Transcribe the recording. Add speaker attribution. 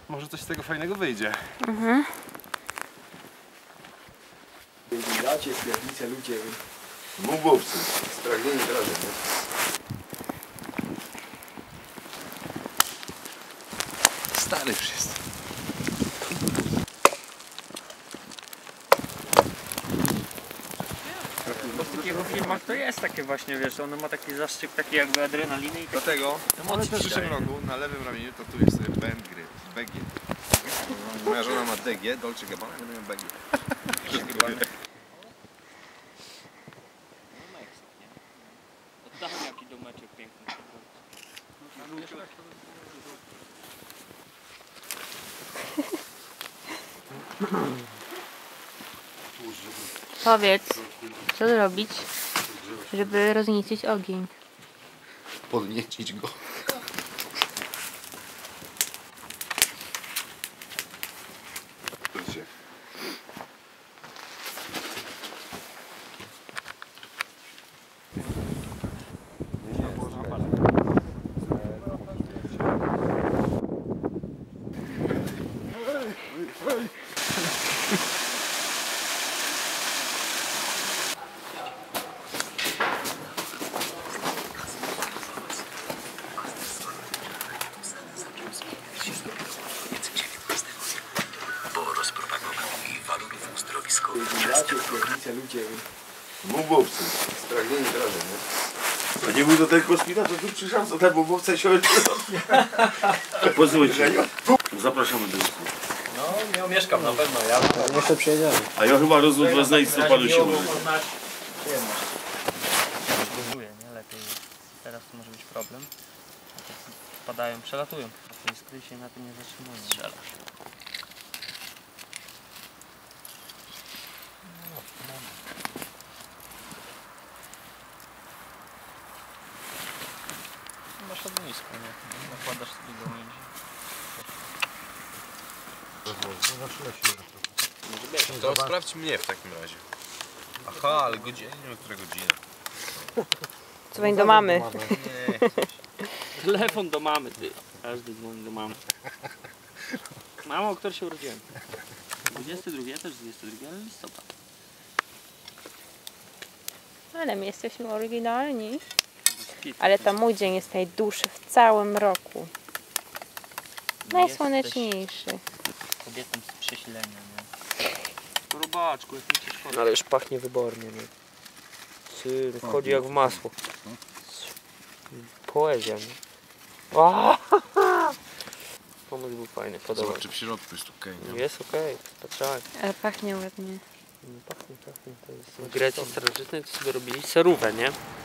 Speaker 1: Może coś z tego fajnego wyjdzie.
Speaker 2: Mhm.
Speaker 3: Dacie, pierdnice, ludzie.
Speaker 4: Mubowcy, spragnieni wrażeń. Stary już jest.
Speaker 5: Bo w takich filmach to jest takie właśnie, wiesz, ono ma taki zastrzyk taki jakby adrenaliny i
Speaker 4: Dlatego w przyszłym roku na lewym ramieniu tatuję sobie BG. Moja żona ma DG, Dolce Gabbana, ja będę miał BG.
Speaker 5: Oddałem jaki domeczek piękny.
Speaker 2: Powiedz, co zrobić, żeby rozniecić ogień?
Speaker 4: Podniecić go.
Speaker 3: Dacie, pierdnice, ludzie.
Speaker 4: Mubowcy, spragnieni wrażeń. A nie był to ten kosmita, to tu przyszłam, co ten mubowca się
Speaker 6: Pozwólcie, zapraszamy do usług.
Speaker 5: No, nie mieszkam na pewno, ja.
Speaker 3: Jeszcze przyjedziemy.
Speaker 6: A ja chyba rozwód wezmę i stopadu się użyję.
Speaker 5: Buduje, nie? Lepiej. Teraz to może być problem. Wpadają, przelatują. A to iskry się na tym nie zatrzymują. Strzelasz. Masz ognisko, nie? Nakładasz sobie do między.
Speaker 4: To sprawdź mnie w takim razie. Aha, ale godzina, nie wiem, która godzina.
Speaker 2: Dzwoń do mamy.
Speaker 4: Nie.
Speaker 5: Telefon do mamy, ty. Każdy dzwoni do mamy. Mamo, o której się urodziłem? 22, ja też 22, ale listopad.
Speaker 2: Ale my jesteśmy oryginalni. Ale to mój dzień jest najdłuższy w całym roku. Najsłoneczniejszy.
Speaker 5: Kobietą z przesilenia, nie? Robaczku, jak mi się szkoda. Ale już pachnie wybornie, nie? Syr, wchodzi jak w masło. Poezja, nie? Pomysł był fajny, podobał.
Speaker 4: Zobacz, czy w środku jest okej, nie?
Speaker 5: Jest okej, patrzałem.
Speaker 2: Ale pachnie ładnie.
Speaker 5: Pachnie. To jest w Grecji starożytnej, to sobie robili serówę, nie?